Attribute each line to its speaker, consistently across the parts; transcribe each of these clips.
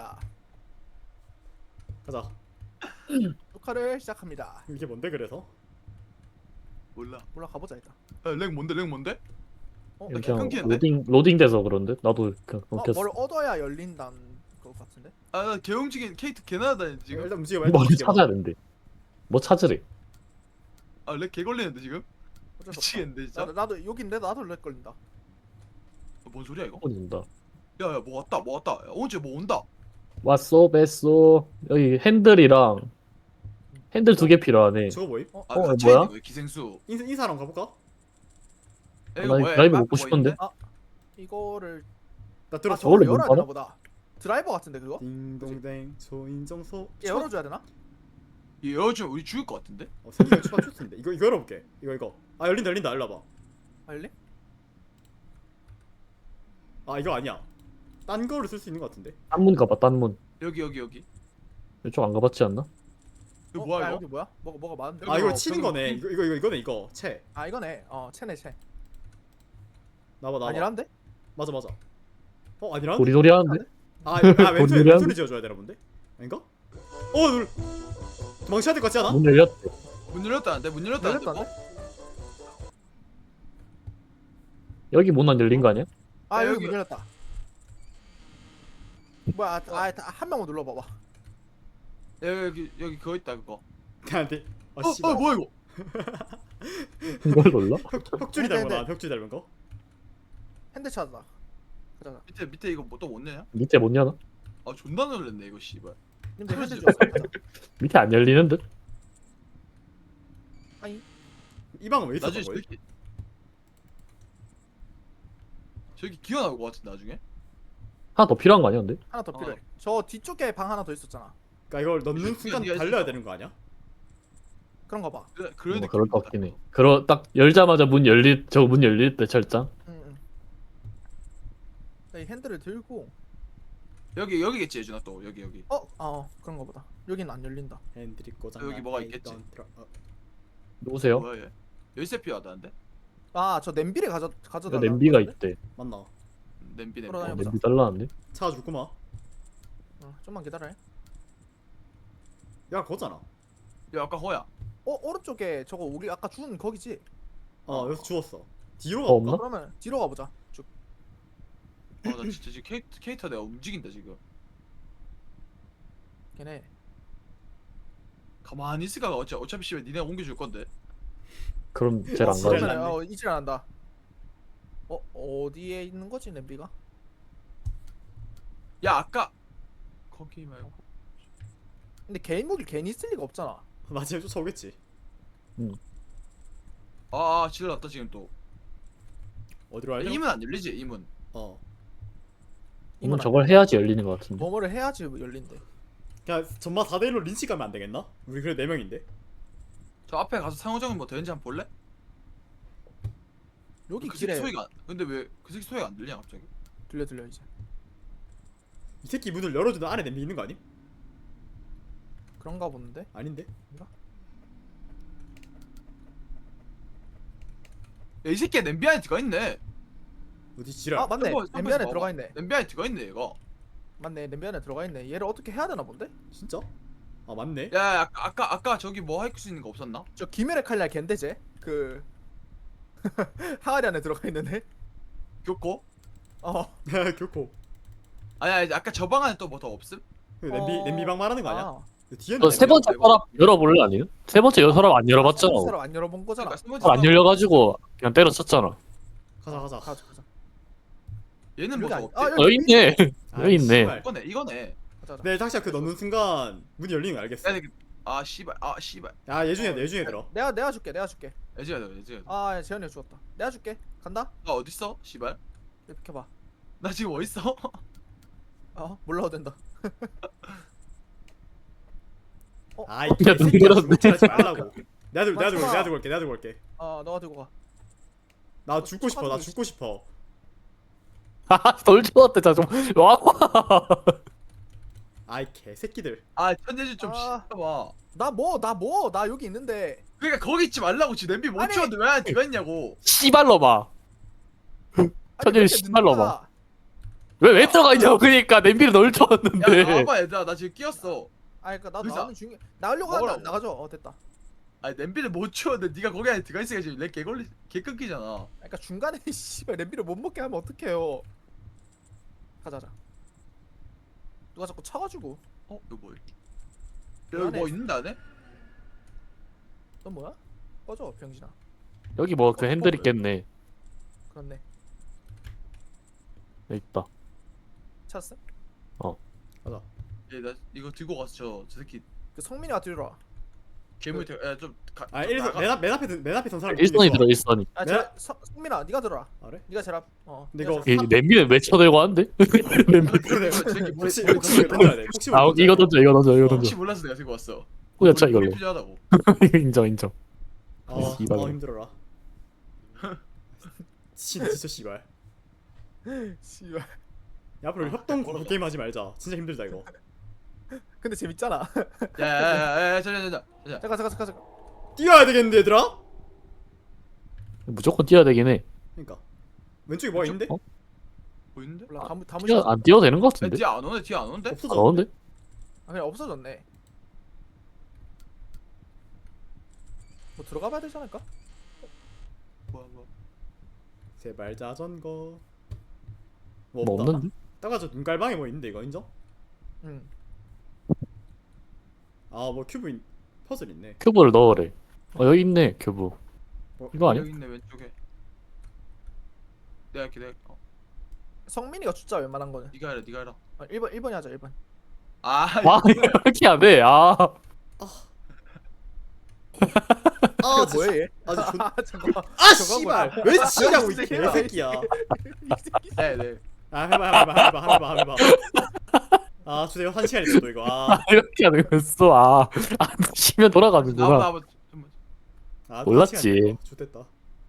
Speaker 1: 시작합니다.
Speaker 2: 가자.
Speaker 1: 녹화를 시작합니다.
Speaker 2: 이게 뭔데 그래서?
Speaker 3: 몰라.
Speaker 1: 몰라 가보자 일단.
Speaker 3: 렉 뭔데? 렉 뭔데?
Speaker 2: 이렇게
Speaker 3: 그냥 끊기는데?
Speaker 2: 로딩돼서 그런데 나도 그냥 끊겼어.
Speaker 1: 뭘 얻어야 열린다는 것 같은데?
Speaker 3: 아, 개 움직인 케이트 개 나다니 지금.
Speaker 2: 일단 움직여봐. 일단
Speaker 1: 뭐
Speaker 2: 움직여봐.
Speaker 1: 어,
Speaker 2: 찾아야 된대. 뭐 찾으래?
Speaker 3: 아, 렉 개 걸리는데 지금?
Speaker 1: 어쩔 수
Speaker 3: 미치겠는데
Speaker 1: 없다.
Speaker 3: 진짜.
Speaker 1: 나도 여긴데 나도 렉 걸린다.
Speaker 3: 뭔 소리야 이거?
Speaker 2: 온다.
Speaker 3: 야야 뭐 왔다 뭐 왔다. 야, 언제 뭐 온다.
Speaker 2: 왔어, 뺐어. 여기 핸들이랑 핸들 2개 필요하네. 저거 뭐임?
Speaker 3: 아,
Speaker 2: 뭐야?
Speaker 3: 갇혀 있는 거야 기생수.
Speaker 2: 인사랑 가볼까?
Speaker 3: 야,
Speaker 2: 나
Speaker 3: 이거 뭐야?
Speaker 2: 드라이브
Speaker 3: 막
Speaker 2: 먹고
Speaker 3: 뭐
Speaker 2: 싶은데?
Speaker 3: 있는데?
Speaker 1: 이거를
Speaker 2: 나
Speaker 1: 아
Speaker 2: 들었어.
Speaker 1: 저걸
Speaker 2: 원래 못
Speaker 1: 열어야
Speaker 2: 받아?
Speaker 1: 되나 보다. 드라이버 같은데 그거?
Speaker 2: 딩동댕 초인정소.
Speaker 1: 얘 열어줘야 되나?
Speaker 3: 얘 열어주면 우리 죽을 것 같은데?
Speaker 2: 생기면 추가 추스인데. 이거 열어볼게. 이거. 아 열린다. 일로 와봐.
Speaker 1: 알리?
Speaker 2: 아 이거 아니야. 딴 거를 쓸 수 있는 것 같은데.
Speaker 4: 딴문 가봐 딴문.
Speaker 3: 여기.
Speaker 4: 이쪽 안 가봤지 않나?
Speaker 3: 이거 뭐야
Speaker 1: 야,
Speaker 3: 이거?
Speaker 1: 여기 뭐야? 뭐가 많은데?
Speaker 2: 아 이거
Speaker 3: 이거
Speaker 2: 치는
Speaker 3: 병-
Speaker 2: 거네. 이거네 이거. 채.
Speaker 1: 아 이거네. 채네 채.
Speaker 2: 나봐.
Speaker 1: 아니란데?
Speaker 2: 맞아. 아니란?
Speaker 4: 도리도리 하는데?
Speaker 2: 왼손에
Speaker 4: 도리도리
Speaker 2: 왼손에 지어줘야 되나 본데? 아닌가? 도망쳐야 될 것 같지 않아?
Speaker 4: 문 열렸대.
Speaker 3: 문 열렸다는데? 문 열렸다는데?
Speaker 1: 열렸다는데?
Speaker 4: 여기 문 안 열린 거 아니야?
Speaker 1: 아
Speaker 3: 야,
Speaker 1: 여기
Speaker 3: 여기.
Speaker 1: 문 열렸다. 뭐야? 한 명만 눌러봐봐.
Speaker 3: 여기 그거 있다 그거.
Speaker 2: 나한테. 아 씨발.
Speaker 3: 뭐야 이거?
Speaker 4: 이걸 놀라?
Speaker 2: 혁줄이 닮은 거. 혁줄이 닮은 거.
Speaker 1: 핸드 찾았다. 가자.
Speaker 3: 밑에 이거 뭐 또 못 내냐?
Speaker 4: 밑에 못 여나?
Speaker 3: 아 존나 놀랬네 이거 씨발.
Speaker 1: 님들 핸드 주웠어. 가자.
Speaker 4: 밑에 안 열리는 듯?
Speaker 1: 아니
Speaker 2: 이 방은 왜 있었던
Speaker 3: 나중에
Speaker 2: 거야?
Speaker 3: 저기 기어 나올 것 같은데 나중에?
Speaker 4: 하나 더 필요한 거 아니야 근데?
Speaker 1: 하나 더 필요해. 저 뒤쪽에 방 하나 더 있었잖아.
Speaker 2: 그러니까 이걸 넣는 순간
Speaker 3: 네가
Speaker 2: 달려야
Speaker 3: 있었어.
Speaker 2: 되는 거 아니야?
Speaker 1: 그런 거 봐.
Speaker 3: 그런
Speaker 4: 뭐
Speaker 3: 느낌.
Speaker 4: 그럴 것 같긴 해. 딱 열자마자 문 열릴 때 철장?
Speaker 1: 응. 이 핸들을 들고
Speaker 3: 여기겠지 예준아 또 여기.
Speaker 1: 그런 거 보다. 여기는 안 열린다.
Speaker 2: 핸들이 고장.
Speaker 3: 여기 뭐가 있겠지.
Speaker 4: 누구세요?
Speaker 3: 뭐야 얘? 열쇠 필요하다는데?
Speaker 1: 저 냄비를 가져다.
Speaker 4: 냄비가 있대.
Speaker 2: 맞나?
Speaker 3: 냄비.
Speaker 1: 돌아다녀.
Speaker 4: 냄비 달라는데?
Speaker 2: 찾아줄구만.
Speaker 1: 좀만 기다려.
Speaker 2: 야 거잖아.
Speaker 3: 야 아까 허야.
Speaker 1: 오른쪽에 저거 우리 아까 준 거기지?
Speaker 2: 여기서 주웠어. 뒤로
Speaker 4: 더
Speaker 2: 가볼까?
Speaker 4: 없나?
Speaker 1: 그러면 뒤로 가보자. 쭉.
Speaker 3: 나 진짜 지금 케이터 내가 움직인다 지금.
Speaker 1: 걔네.
Speaker 3: 가만히 있을까 어차피 씨발 니네가 옮겨줄 건데.
Speaker 4: 그럼 쟤를 안
Speaker 2: 지랄
Speaker 4: 가지.
Speaker 2: 났네.
Speaker 1: 이질 안한다. 어디에 있는 거지 냄비가?
Speaker 3: 야 아까 거기 말고.
Speaker 1: 근데 개인 무기 괜히 쓸 리가 없잖아.
Speaker 2: 마지막에 쫓아오겠지.
Speaker 3: 질렀다 지금 또.
Speaker 2: 어디로 할래?
Speaker 3: 이문 안 열리지 이문.
Speaker 4: 이건 저걸 해야지 열리는 것 같은데.
Speaker 1: 뭐뭐를 해야지 열린대.
Speaker 2: 그냥 전마 4대1로 린치 가면 안 되겠나? 우리 그래 4명인데.
Speaker 3: 저 앞에 가서 상호작용 뭐 되는지 한번 볼래?
Speaker 1: 여기
Speaker 3: 그 새끼
Speaker 1: 길에
Speaker 3: 소리가 근데 왜 그 새끼 소리가 안 들리냐 갑자기?
Speaker 1: 들려 이제.
Speaker 2: 이 새끼 문을 열어주는 안에 냄비 있는 거 아님?
Speaker 1: 그런가 보는데.
Speaker 2: 아닌데?
Speaker 3: 야 이 새끼 냄비 안에 들어가 있네.
Speaker 2: 어디 지랄.
Speaker 1: 맞네.
Speaker 3: 한번
Speaker 1: 냄비 안에
Speaker 3: 봐봐.
Speaker 1: 들어가 있네.
Speaker 3: 냄비 안에 들어가 있네 얘가.
Speaker 1: 맞네. 냄비 안에 들어가 있네. 얘를 어떻게 해야 되나 본데?
Speaker 2: 진짜? 맞네.
Speaker 3: 야 아까 저기 뭐 할 수 있는 거 없었나?
Speaker 1: 저 김열의 칼날 걘데제 그 항아리 안에 들어가 있는데.
Speaker 3: 교코?
Speaker 2: 교코.
Speaker 3: 아니 아까 저 방 안에 또 뭐 더 없음?
Speaker 2: 그 냄비방 말하는 거 아니야? 뒤에는
Speaker 4: 세 번째 서랍 열어볼래 아니면? 세 번째 서랍 안 열어봤잖아.
Speaker 1: 서랍 안 열어본 거잖아.
Speaker 3: 그러니까 세 번째
Speaker 4: 서랍 안 열려가지고 그냥 때려쳤잖아.
Speaker 2: 가자.
Speaker 1: 가자.
Speaker 3: 얘는 뭐
Speaker 1: 여기
Speaker 3: 더
Speaker 1: 아니-
Speaker 3: 없지?
Speaker 4: 여기 있네.
Speaker 2: 아이,
Speaker 4: 여기 있네.
Speaker 2: 씨발.
Speaker 3: 이거네.
Speaker 1: 가자.
Speaker 2: 네, 당시야 그 넣는 순간 문이 열리는 거 알겠어.
Speaker 3: 아 씨발
Speaker 2: 야, 예중에 들어.
Speaker 1: 내가 줄게.
Speaker 3: 애지가
Speaker 1: 재현이가 죽었다. 내가 줄게. 간다.
Speaker 3: 나 어딨어? 씨발
Speaker 1: 이렇게 비켜봐.
Speaker 3: 나 지금 어딨어?
Speaker 1: 몰라도 된다.
Speaker 2: 아이,
Speaker 4: 야, 눈
Speaker 2: 새끼야,
Speaker 4: 들었네.
Speaker 2: 하지 말라고. 내가 들고
Speaker 1: 맞잖아.
Speaker 2: 올게.
Speaker 1: 너가 들고 가.
Speaker 2: 나 죽고 싶어.
Speaker 4: 돌 좋았대 좀. 와.
Speaker 2: 아이 개새끼들.
Speaker 3: 아 천재지 좀
Speaker 1: 아.
Speaker 3: 씨발.
Speaker 1: 나 여기 있는데.
Speaker 3: 그러니까 거기 있지 말라고 지금 냄비 못
Speaker 1: 아니.
Speaker 3: 치웠는데 왜 안에 들어가 있냐고.
Speaker 4: 씨발로 봐.
Speaker 1: 아니,
Speaker 4: 천재를
Speaker 1: 왜 이렇게
Speaker 4: 씨발로
Speaker 1: 늦나?
Speaker 4: 왜 들어가 있냐고. 그러니까 냄비를 넣을 줄
Speaker 3: 야
Speaker 4: 알았는데.
Speaker 3: 나와봐 얘들아 나 지금 끼었어.
Speaker 1: 아 그니까 나도
Speaker 3: 의사.
Speaker 1: 나는 중요 나가려고 하는데 안
Speaker 3: 먹으라고.
Speaker 1: 나가죠. 됐다.
Speaker 3: 아니 냄비를 못 치웠는데 네가 거기 안에 들어가 있으니까 지금 렉 개걸리 개 끊기잖아.
Speaker 1: 그러니까 중간에 씨발 냄비를 못 먹게 하면 어떡해요. 가자. 누가 자꾸 차가지고.
Speaker 3: 어? 이거 뭐야?
Speaker 1: 그
Speaker 3: 여기
Speaker 1: 안에
Speaker 3: 뭐 있는데 안에?
Speaker 1: 넌 뭐야? 꺼져 병신아.
Speaker 4: 여기 뭐 그 핸들 있겠네.
Speaker 1: 그렇네.
Speaker 4: 여기 있다.
Speaker 1: 찾았어?
Speaker 5: 가자.
Speaker 3: 얘나 이거 들고 갔어 저 새끼
Speaker 1: 그 성민이가 들어와.
Speaker 3: 괴물 야좀
Speaker 5: 아 1선 맨 앞에 선 사람
Speaker 4: 일선이 들어 일선이.
Speaker 1: 아
Speaker 5: 내가-
Speaker 1: 제가 성민아 네가 들어와.
Speaker 5: 아, 그래?
Speaker 1: 네가 제일 앞.
Speaker 5: 근데
Speaker 1: 네가
Speaker 5: 이거
Speaker 1: 제일
Speaker 4: 이 냄비는 왜 쳐들고 하는데? 냄비.
Speaker 5: 혹시 던져야 돼. 혹시
Speaker 4: 아 이거 던져 이거 던져 이거
Speaker 3: 혹시
Speaker 4: 던져.
Speaker 3: 몰라서 내가 들고 왔어.
Speaker 4: 후려쳐 이걸로.
Speaker 3: 필요하다고.
Speaker 4: 인정 인정. 씨발.
Speaker 5: 힘들어라. 진짜 씨발.
Speaker 1: 씨발.
Speaker 5: 야, 앞으로 협동 공포 게임 하지 말자. 진짜 힘들다 이거.
Speaker 1: 근데 재밌잖아.
Speaker 3: 야야야야 자자자자.
Speaker 1: 잠깐.
Speaker 5: 뛰어야 되겠는데 얘들아?
Speaker 4: 무조건 뛰어야 되긴 해.
Speaker 5: 그러니까 왼쪽에 뭐가 있는데?
Speaker 4: 어?
Speaker 3: 보이는데?
Speaker 1: 몰라 다
Speaker 4: 뛰어
Speaker 1: 무시하자.
Speaker 4: 안 뛰어도 되는 것 같은데?
Speaker 3: 뒤에 안 오네 뒤에 안 오는데?
Speaker 4: 안
Speaker 5: 없어져.
Speaker 4: 오는데?
Speaker 1: 아 그냥 없어졌네. 뭐 들어가 봐야 되지 않을까?
Speaker 3: 뭐야.
Speaker 5: 제발 자전거. 뭐
Speaker 4: 뭐
Speaker 5: 없다.
Speaker 4: 없는데?
Speaker 5: 따가저 눈깔방에 뭐 있는데 이거 인정?
Speaker 1: 응.
Speaker 5: 뭐 퍼즐 있네.
Speaker 4: 큐브를 넣으래. 여기 있네 큐브. 이거 아니야?
Speaker 3: 여기 있네 왼쪽에. 내가 할게 내가.
Speaker 1: 성민이가 숫자 웬만한 거는.
Speaker 3: 네가 해라 네가 해라.
Speaker 1: 1번이 하자 1번.
Speaker 3: 아
Speaker 4: 아 이렇게 안 돼. 아
Speaker 5: 아
Speaker 1: 뭐야 얘?
Speaker 5: 아주 존.
Speaker 1: 잠깐만.
Speaker 5: 아
Speaker 1: 저거
Speaker 5: 씨발
Speaker 1: 뭐야?
Speaker 5: 왜 치냐고 이
Speaker 1: 새끼야.
Speaker 5: 개새끼야.
Speaker 3: 네네.
Speaker 5: 아 해봐. 아 주세요 1시간 있어 이거.
Speaker 4: 이렇게 하는 거였어. 안 치면 돌아가는구나.
Speaker 3: 나와봐.
Speaker 4: 몰랐지.
Speaker 5: 좋됐다.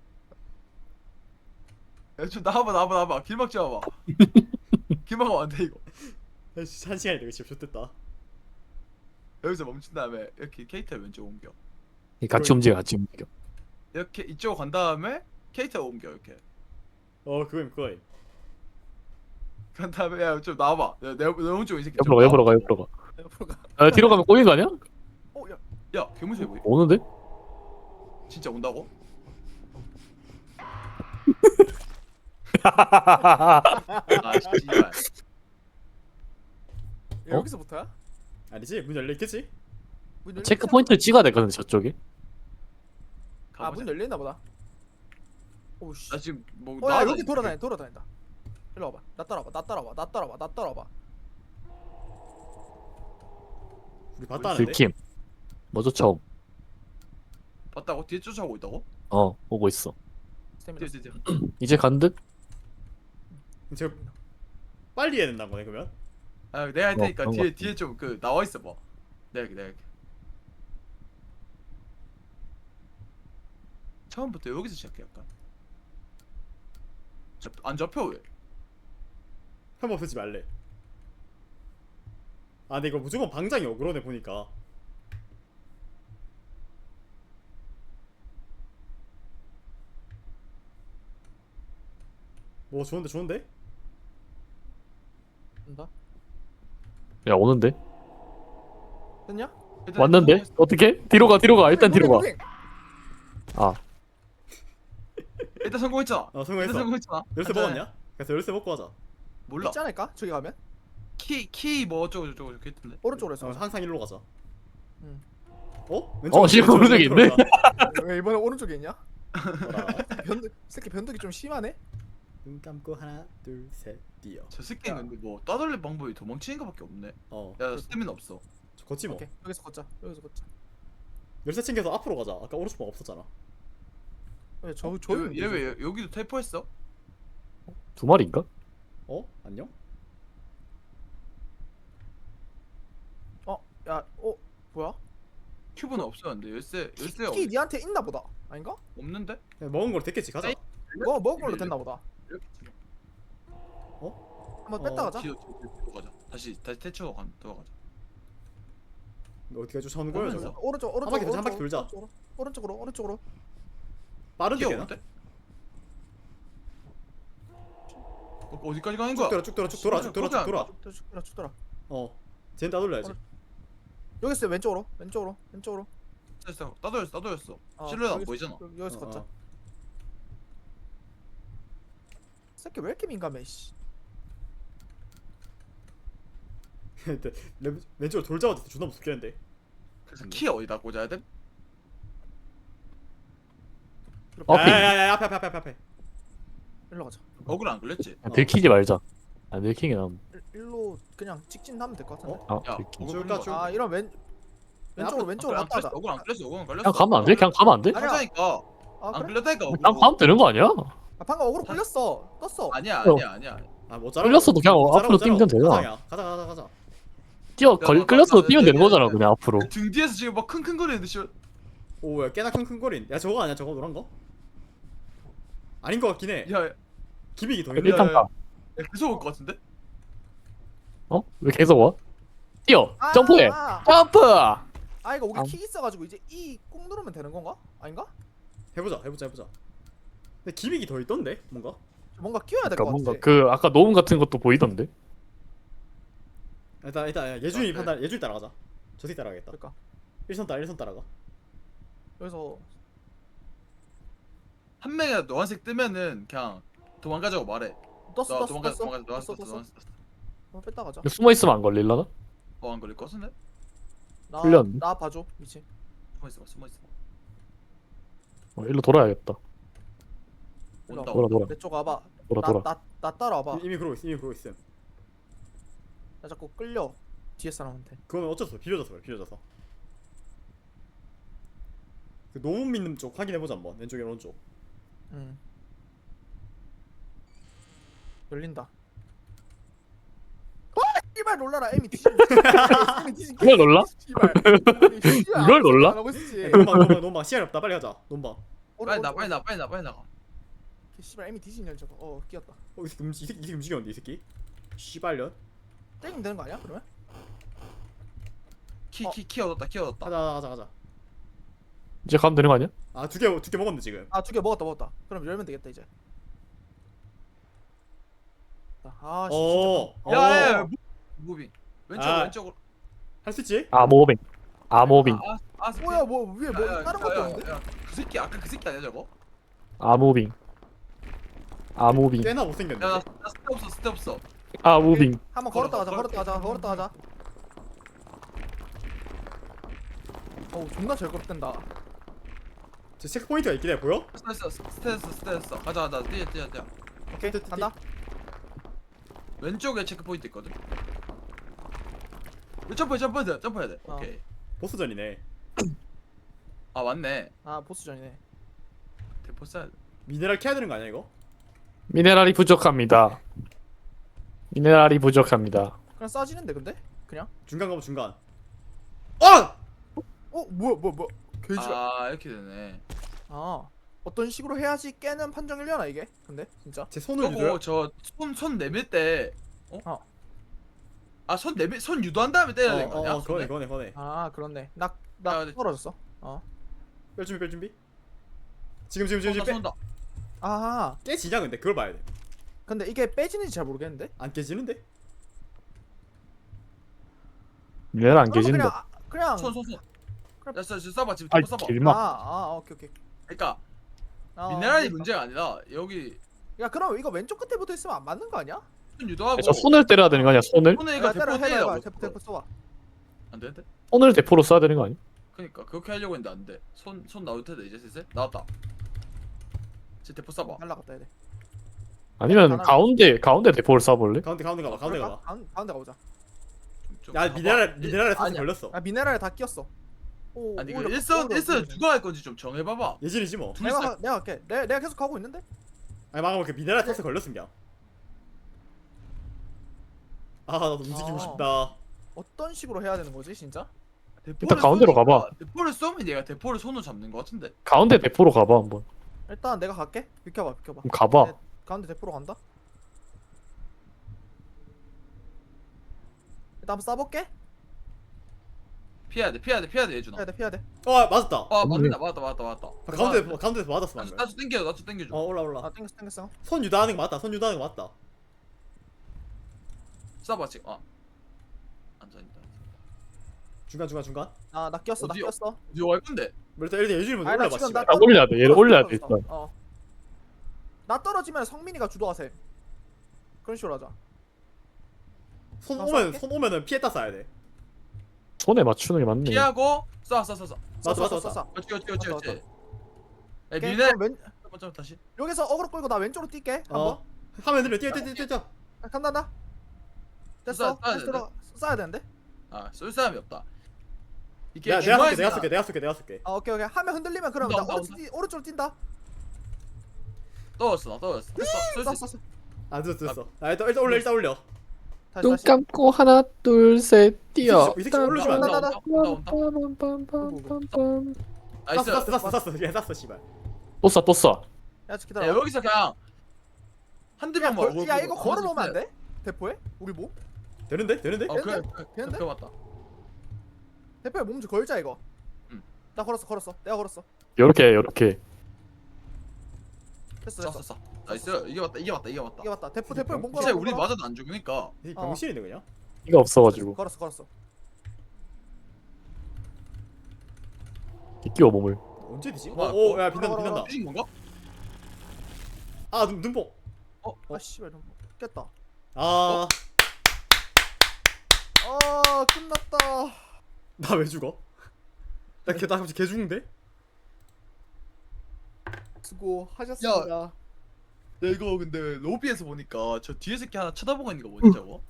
Speaker 3: 야좀 나와봐. 길 막지 마봐. 길 막으면 안돼 이거.
Speaker 5: 1시간 이거 진짜 좋됐다.
Speaker 3: 여기서 멈춘 다음에 이렇게 케이트를 왼쪽 옮겨.
Speaker 4: 같이 움직여 같이 움직여.
Speaker 3: 이렇게 이쪽 간 다음에 케이트를 옮겨 이렇게.
Speaker 5: 그거임.
Speaker 3: 간 다음에 야 좀 나와봐. 내 오른쪽 이 새끼. 좀
Speaker 4: 옆으로 가
Speaker 3: 나와봐.
Speaker 4: 옆으로 가.
Speaker 1: 옆으로 가.
Speaker 4: 아, 뒤로 가면 꼬이는 거 아니야?
Speaker 1: 야.
Speaker 3: 야 개무새 보이.
Speaker 4: 오는데?
Speaker 3: 진짜 온다고? 아 씨발.
Speaker 1: 여기서부터야?
Speaker 5: 아니지 문 열려 있겠지?
Speaker 1: 문 열려
Speaker 4: 체크
Speaker 1: 있잖아.
Speaker 4: 포인트를 찍어야 되거든 저쪽에.
Speaker 1: 아 문 열려 있나 보다. 오씨.
Speaker 3: 나 지금 뭐
Speaker 1: 야
Speaker 3: 나와다
Speaker 1: 여기
Speaker 3: 있는데.
Speaker 1: 돌아다닌다. 일로 와봐. 나 따라와.
Speaker 5: 우리 봤다는데?
Speaker 4: 들킴. 먼저 처음.
Speaker 3: 봤다고? 뒤에 쫓아오고 있다고?
Speaker 4: 오고 있어.
Speaker 1: 스태미나.
Speaker 3: 뒤에.
Speaker 4: 이제 간 듯?
Speaker 5: 제가 빨리 해야 된다는 거네 그러면?
Speaker 3: 아 내가 할 테니까
Speaker 4: 그런 거
Speaker 3: 뒤에 좀 그 나와 있어 봐. 내가 할게. 처음부터 여기서 시작해 약간. 안 잡혀 왜?
Speaker 5: 한번 쓰지 말래. 근데 이거 무조건 방장이 어그러네 보니까. 뭐 좋은데?
Speaker 1: 된다.
Speaker 4: 야 오는데?
Speaker 1: 됐냐?
Speaker 3: 일단
Speaker 4: 왔는데?
Speaker 3: 성공했어.
Speaker 4: 어떻게? 뒤로 가. 일단 뒤로 가.
Speaker 1: 무빙.
Speaker 3: 일단 성공했잖아. 일단
Speaker 5: 성공했어.
Speaker 3: 성공했잖아.
Speaker 5: 열쇠
Speaker 3: 간단해.
Speaker 5: 먹었냐? 그래서 열쇠 먹고 하자.
Speaker 3: 몰라.
Speaker 1: 있지 않을까? 저기 가면
Speaker 3: 키 뭐 어쩌고 저쩌고 이렇게 했던데.
Speaker 1: 오른쪽으로 해서.
Speaker 5: 항상 일로 가자.
Speaker 1: 응.
Speaker 4: 지금 오른쪽에 있네?
Speaker 1: 왜 이번에 오른쪽에 있냐?
Speaker 5: 뭐라?
Speaker 1: 새끼 변덕이 좀 심하네.
Speaker 5: 눈 감고 하나 둘 셋 뛰어.
Speaker 3: 저 새끼는 근데 뭐 따돌릴 방법이 도망치는 거밖에 없네. 야 스태미나 없어.
Speaker 5: 걷지 뭐.
Speaker 1: 오케이 여기서 걷자.
Speaker 5: 열쇠 챙겨서 앞으로 가자. 아까 오른쪽 방 없었잖아.
Speaker 1: 왜 저
Speaker 3: 얘 왜 여기도 텔포했어?
Speaker 4: 두 마리인가?
Speaker 5: 안녕?
Speaker 1: 뭐야?
Speaker 3: 큐브는 없었는데 열쇠
Speaker 1: 키 니한테 있나 보다. 아닌가?
Speaker 3: 없는데?
Speaker 5: 그냥 먹은 걸 됐겠지 가자.
Speaker 1: 이거 먹은 걸로 됐나 보다.
Speaker 3: 이렇게 치면.
Speaker 1: 한번 뺐다 가자.
Speaker 3: 뒤로 가자. 다시 태초로 들어가자.
Speaker 5: 너 어디가 쫓아오는 거야
Speaker 3: 보면서.
Speaker 5: 저거?
Speaker 1: 오른쪽
Speaker 5: 한 바퀴 돌자.
Speaker 1: 오른쪽으로.
Speaker 5: 빠른데
Speaker 3: 뛰어
Speaker 5: 되나?
Speaker 3: 오는데? 어디까지 가는
Speaker 5: 쭉
Speaker 3: 거야?
Speaker 5: 돌아 쭉 돌아 쭉 돌아 쭉 돌아 쭉 돌아.
Speaker 1: 쭉 돌아.
Speaker 5: 쟤는 따돌려야지.
Speaker 1: 여기 있어 왼쪽으로 왼쪽으로.
Speaker 3: 됐어. 따돌렸어.
Speaker 1: 아,
Speaker 3: 실루엣 안
Speaker 1: 여기서-
Speaker 3: 보이잖아.
Speaker 1: 여기서 걷자. 새끼 왜 이렇게 민감해 씨.
Speaker 5: 근데 왼쪽으로 돌자마자 존나 무섭겠는데.
Speaker 3: 그래서 키 어디다 꽂아야 돼?
Speaker 5: 야야야 앞에.
Speaker 1: 일로 가자.
Speaker 3: 어글 안 걸렸지?
Speaker 4: 들키지 말자. 아 들키게 나.
Speaker 1: 일로 그냥 직진하면 될 것 같은데.
Speaker 4: 아
Speaker 3: 야,
Speaker 4: 들키.
Speaker 3: 어글
Speaker 5: 줄까,
Speaker 3: 걸린
Speaker 5: 줄?
Speaker 3: 거.
Speaker 1: 아 이런 왼쪽으로 갔다 하자.
Speaker 3: 어글 안 걸렸어. 어글 안 걸렸어.
Speaker 4: 그냥 가면 안 돼? 그냥 가면 안 돼?
Speaker 1: 아니야.
Speaker 3: 하자니까.
Speaker 1: 아
Speaker 3: 안
Speaker 1: 그래?
Speaker 3: 걸렸다니까. 어글.
Speaker 4: 그냥 가면 되는 거 아니야?
Speaker 1: 아 방금 어그로 걸렸어. 떴어.
Speaker 3: 아니야.
Speaker 5: 아못
Speaker 4: 끌렸어도 그냥 앞으로 뛰면 되잖아.
Speaker 5: 가자.
Speaker 4: 끌렸어도 뛰면 되는 거잖아 그냥 앞으로.
Speaker 3: 등 뒤에서 지금 막 킁킁거리는데 씨.
Speaker 5: 오야 꽤나 킁킁거린. 야 저거 아니야 저거 노란 거? 아닌 거 같긴 해.
Speaker 3: 야,
Speaker 5: 기믹이 더
Speaker 3: 야,
Speaker 5: 있네.
Speaker 4: 일단 가.
Speaker 3: 계속 올 것 같은데?
Speaker 4: 어? 왜 계속 와? 뛰어.
Speaker 1: 아,
Speaker 4: 점프해.
Speaker 1: 아,
Speaker 4: 점프.
Speaker 1: 아 이거 우리
Speaker 4: 아.
Speaker 1: 키 있어가지고 이제 E 꾹 누르면 되는 건가? 아닌가?
Speaker 5: 해보자. 근데 기믹이 더 있던데 뭔가?
Speaker 1: 뭔가 끼워야 될
Speaker 4: 그러니까
Speaker 1: 것
Speaker 4: 뭔가
Speaker 1: 같아.
Speaker 4: 그 아까 노움 같은 것도 보이던데.
Speaker 5: 일단 예준이
Speaker 3: 아, 그래.
Speaker 5: 판단 예준이 따라가자. 저 새끼 따라가겠다.
Speaker 1: 그러니까
Speaker 5: 1선 따라가.
Speaker 1: 여기서
Speaker 3: 한 명이 노란색 뜨면은 그냥 도망가자고 말해.
Speaker 1: 떴어.
Speaker 3: 도망가자.
Speaker 1: 뺐다 가자.
Speaker 4: 숨어 있으면 안 걸릴라나?
Speaker 3: 안 걸릴 것 같은데?
Speaker 4: 풀렸네.
Speaker 1: 나 봐줘 미친.
Speaker 3: 숨어 있어.
Speaker 4: 일로 돌아야겠다.
Speaker 1: 일로
Speaker 3: 온다.
Speaker 1: 와봐.
Speaker 4: 돌아.
Speaker 1: 내 쪽 와봐.
Speaker 4: 돌아.
Speaker 1: 나 따라와봐.
Speaker 5: 이미 그러고 있음.
Speaker 1: 나 자꾸 끌려 뒤에 사람한테.
Speaker 5: 그거는 어쩔 수 없어. 비벼져서. 그 너무 믿는 쪽 확인해보자 한번. 왼쪽이랑 오른쪽.
Speaker 1: 응. 열린다. 씨발 놀라라 에미 뒤지.
Speaker 4: 이걸 놀라?
Speaker 1: 씨발.
Speaker 4: 이걸 놀라?
Speaker 1: 안 하고 있었지.
Speaker 5: 논방 시간이 없다. 빨리 가자. 논방.
Speaker 3: 빨리 나가.
Speaker 1: 씨발 에미 뒤지냐 저거. 끼었다.
Speaker 5: 이 새끼 움직였는데 이 새끼. 씨발년.
Speaker 1: 때리면 되는 거 아니야? 그러면?
Speaker 3: 키 얻었다.
Speaker 5: 가자.
Speaker 4: 이제 가면 되는 거 아니야?
Speaker 5: 아 두 개 먹었네 지금.
Speaker 1: 아 2개 먹었다. 그럼 열면 되겠다 이제. 아 씨. 진짜.
Speaker 3: 야, 무빙.
Speaker 5: 아.
Speaker 3: 왼쪽으로.
Speaker 5: 할 수 있지?
Speaker 4: 아모빙.
Speaker 1: 뭐야 뭐 위에 뭐 다른 것도 없는데?
Speaker 3: 그 새끼 아까 그 새끼 아니야 저거?
Speaker 4: 아모빙.
Speaker 5: 꽤나 못생겼네.
Speaker 3: 야, 나 스텝 없어.
Speaker 4: 아모빙.
Speaker 1: 한번 걸었다 가자. 어우 존나 잘 걸었댄다.
Speaker 5: 저 체크 포인트가 있긴 해. 보여?
Speaker 3: 스테스. 가자. 뛰어.
Speaker 1: 오케이 간다.
Speaker 3: 왼쪽에 체크 포인트 있거든. 점프해야 돼.
Speaker 1: 어.
Speaker 3: 오케이.
Speaker 5: 보스전이네.
Speaker 3: 아 맞네.
Speaker 1: 아 보스전이네.
Speaker 3: 대포 쏴야 돼.
Speaker 5: 미네랄 캐야 되는 거 아니야 이거?
Speaker 4: 미네랄이 부족합니다.
Speaker 1: 그냥 싸지는데 근데? 그냥?
Speaker 5: 중간 가면 중간. 어!
Speaker 1: 뭐야 개지랄.
Speaker 3: 아 이렇게 되네.
Speaker 1: 아 어떤 식으로 해야지 깨는 판정이려나 이게? 근데 진짜?
Speaker 5: 제 손을 유도해.
Speaker 3: 저손 내밀 때 손 유도한 다음에 때려야 되는 거 아니야?
Speaker 5: 그거네.
Speaker 1: 아 그렇네. 나
Speaker 3: 네.
Speaker 1: 떨어졌어.
Speaker 5: 뺄 준비. 지금
Speaker 3: 손다.
Speaker 1: 아
Speaker 5: 깨지냐 근데 그걸 봐야 돼.
Speaker 1: 근데 이게 빼지는지 잘 모르겠는데?
Speaker 5: 안 깨지는데?
Speaker 4: 미네랄 안
Speaker 1: 그러면
Speaker 4: 깨진다.
Speaker 1: 그냥
Speaker 3: 손.
Speaker 1: 그래.
Speaker 3: 야, 쏴봐 지금
Speaker 4: 아
Speaker 3: 대포 쏴봐.
Speaker 4: 길막.
Speaker 1: 오케이.
Speaker 3: 그러니까
Speaker 1: 아,
Speaker 3: 미네랄이
Speaker 1: 그러니까.
Speaker 3: 문제가 아니라 여기
Speaker 1: 야 그럼 이거 왼쪽 끝에 붙어 있으면 안 맞는 거 아니야?
Speaker 3: 손 유도하고.
Speaker 4: 저 손을 때려야 되는 거 아니야? 손을?
Speaker 3: 손에
Speaker 1: 야,
Speaker 3: 이거 대포
Speaker 1: 해봐.
Speaker 3: 때리라고.
Speaker 1: 대포 쏘아.
Speaker 3: 안 되는데?
Speaker 4: 손을 대포로 쏴야 되는 거 아니야?
Speaker 3: 그러니까 그렇게 하려고 했는데 안 돼. 손 나올 텐데 이제 슬슬 나왔다. 제 대포 쏴봐.
Speaker 1: 날라갔다 해야 돼.
Speaker 4: 아니면
Speaker 1: 하나-
Speaker 4: 가운데 대포를 쏴볼래?
Speaker 5: 가운데 가봐.
Speaker 1: 가운데 가보자.
Speaker 5: 야 미네랄에 사슬
Speaker 3: 아니야.
Speaker 5: 걸렸어.
Speaker 1: 아 미네랄에 다 끼었어. 오,
Speaker 3: 아니 이거
Speaker 1: 오히려
Speaker 3: 일선
Speaker 1: 오히려
Speaker 3: 누가 할 건지 좀 정해봐봐.
Speaker 5: 예진이지 뭐.
Speaker 1: 내가 할게. 내가 계속 가고 있는데?
Speaker 5: 아니 막아볼게. 미네랄 사슬 걸렸음 그냥. 아 나도 움직이고
Speaker 1: 아.
Speaker 5: 싶다.
Speaker 1: 어떤 식으로 해야 되는 거지 진짜?
Speaker 4: 일단 가운데로 가봐.
Speaker 3: 대포를 쏘면 얘가 대포를 손으로 잡는 거 같은데.
Speaker 4: 가운데 대포로 가봐 한번.
Speaker 1: 일단 내가 갈게. 비켜봐.
Speaker 4: 그럼 가봐.
Speaker 1: 네. 가운데 대포로 간다. 일단 한번 쏴볼게.
Speaker 3: 피해야 돼 예준아.
Speaker 1: 피해야 돼.
Speaker 5: 맞았다.
Speaker 3: 맞다.
Speaker 5: 가운데에서 맞았어 방금.
Speaker 3: 나도 땡겨줘.
Speaker 5: 올라.
Speaker 1: 아 땡겼어.
Speaker 5: 손 유도하는 거 맞다.
Speaker 3: 쏴봐 지금. 앉아있다.
Speaker 5: 중간.
Speaker 1: 나 꼈어 나
Speaker 3: 어디요?
Speaker 1: 꼈어.
Speaker 3: 어디 갈 건데?
Speaker 5: 뭐 일단 예준이 먼저
Speaker 1: 아니, 나
Speaker 5: 올려봐
Speaker 1: 지금
Speaker 5: 씨발.
Speaker 2: 나 올려야 돼. 얘를 올려야 돼, 일단.
Speaker 1: 나 떨어지면 성민이가 주도하세. 그런 식으로 하자.
Speaker 5: 손
Speaker 1: 나
Speaker 5: 오면
Speaker 1: 쏠게.
Speaker 5: 손 오면은 피했다 쏴야 돼.
Speaker 2: 손에 맞추는 게 맞네.
Speaker 3: 피하고 쏴.
Speaker 5: 맞아.
Speaker 3: 그렇지. 야
Speaker 1: 오케이,
Speaker 3: 미네.
Speaker 1: 그럼
Speaker 3: 잠깐 다시.
Speaker 1: 여기서 어그로 끌고 나 왼쪽으로 뛸게. 한번.
Speaker 5: 어. 하면 들려 뛰어.
Speaker 1: 간다. 됐어.
Speaker 3: 쏴야
Speaker 1: 다시
Speaker 3: 되는데?
Speaker 1: 들어. 쏴야 되는데.
Speaker 3: 쏠 사람이 없다. 이게
Speaker 5: 내가 쏠게.
Speaker 1: 오케이. 하면 흔들리면 그럼
Speaker 3: 온다,
Speaker 1: 나
Speaker 3: 온다,
Speaker 1: 오른쪽으로 뛴다.
Speaker 3: 떨어졌어. 됐어. 쏠 수 있어.
Speaker 1: 쐈어.
Speaker 5: 아 됐어. 아 일단 올려.
Speaker 2: 눈
Speaker 1: 다시.
Speaker 2: 감고 하나, 둘, 셋, 뛰어.
Speaker 5: 이 새끼 올려주면 안 돼.
Speaker 3: 온다.
Speaker 2: 빰빰빰빰빰빰.
Speaker 3: 나이스.
Speaker 5: 쐈어. 얘 쐈어 씨발.
Speaker 2: 또 쏴, 또 쏴.
Speaker 1: 야,
Speaker 3: 야,
Speaker 1: 기다려.
Speaker 3: 여기서 그냥 한두
Speaker 1: 야,
Speaker 3: 명만.
Speaker 1: 야, 이거 걸어놓으면 안 돼? 대포에? 우리 몸?
Speaker 5: 되는데?
Speaker 3: 어 그래.
Speaker 1: 되는데?
Speaker 3: 그래 맞다.
Speaker 1: 대포에 몸 좀 걸자 이거.
Speaker 3: 응.
Speaker 1: 나 걸었어. 내가 걸었어.
Speaker 2: 요렇게.
Speaker 1: 됐어.
Speaker 3: 쐈어. 나이스. 이게 맞다.
Speaker 1: 이게 맞다. 대포에 몸 걸어.
Speaker 3: 진짜 우리 맞아도 안 죽으니까.
Speaker 5: 이 병신이네 그냥.
Speaker 2: 이가 없어가지고.
Speaker 1: 걸었어.
Speaker 2: 끼워 몸을.
Speaker 5: 언제 되지?
Speaker 3: 뭐야,
Speaker 5: 오야 빛난다.
Speaker 3: 뒤진 건가?
Speaker 5: 아 눈뽕.
Speaker 1: 아 씨발 너무 깼다.
Speaker 5: 아.
Speaker 1: 끝났다.
Speaker 5: 나 왜 죽어? 나 갑자기 개 죽는데?
Speaker 1: 수고하셨습니다.
Speaker 3: 야 이거 근데 로비에서 보니까 저 뒤에 새끼 하나 쳐다보고 있는 거 뭐지 저거?